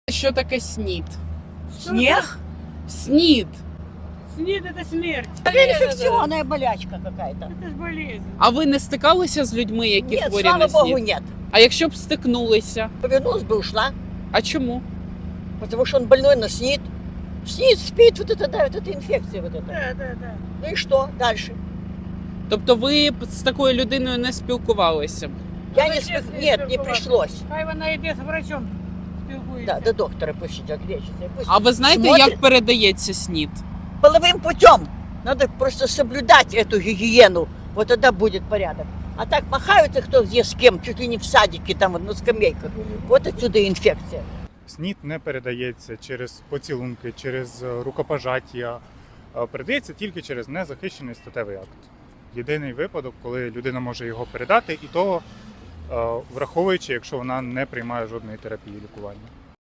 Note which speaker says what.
Speaker 1: Що таке СНІД?
Speaker 2: Снег?
Speaker 1: СНІД.
Speaker 3: СНИД это смерть.
Speaker 2: Это инфекционная болячка какая-то.
Speaker 3: Это ж болезнь.
Speaker 1: А ви не стикалися з людьми, які
Speaker 2: Нет,
Speaker 1: хворі
Speaker 2: слава
Speaker 1: на
Speaker 2: богу,
Speaker 1: СНІД?
Speaker 2: нет.
Speaker 1: А якщо б стикнулися?
Speaker 2: Повернулась бы, ушла.
Speaker 1: А чому?
Speaker 2: Потому что он больной на СНИД. СНИД спит, вот это, да, вот эта инфекция вот эта.
Speaker 3: Да.
Speaker 2: Ну и что дальше?
Speaker 1: Тобто ви б з такою людиною не спілкувалися б?
Speaker 2: Я
Speaker 3: Ну,
Speaker 2: не
Speaker 3: зачем
Speaker 2: спи...
Speaker 3: с ней
Speaker 2: Нет, не
Speaker 3: спілкуватися?
Speaker 2: пришлось.
Speaker 3: Хай вона йде з врачом
Speaker 2: Да,
Speaker 3: спілкується.
Speaker 2: до доктора пусть идет, лечится. Пусть
Speaker 1: А ви знаєте,
Speaker 2: смотрит.
Speaker 1: як передається СНІД?
Speaker 2: Половым путем. Надо просто соблюдать эту гигиену. Вот тогда будет порядок. А так махаются кто где с кем, чуть ли не в садике, там вот на скамейках. Вот отсюда и инфекция.
Speaker 4: СНІД не передається через поцілунки, через рукопожаття, передається тільки через незахищений статевий акт. Єдиний випадок, коли людина може його передати, і то враховуючи, якщо вона не приймає жодної терапії лікування.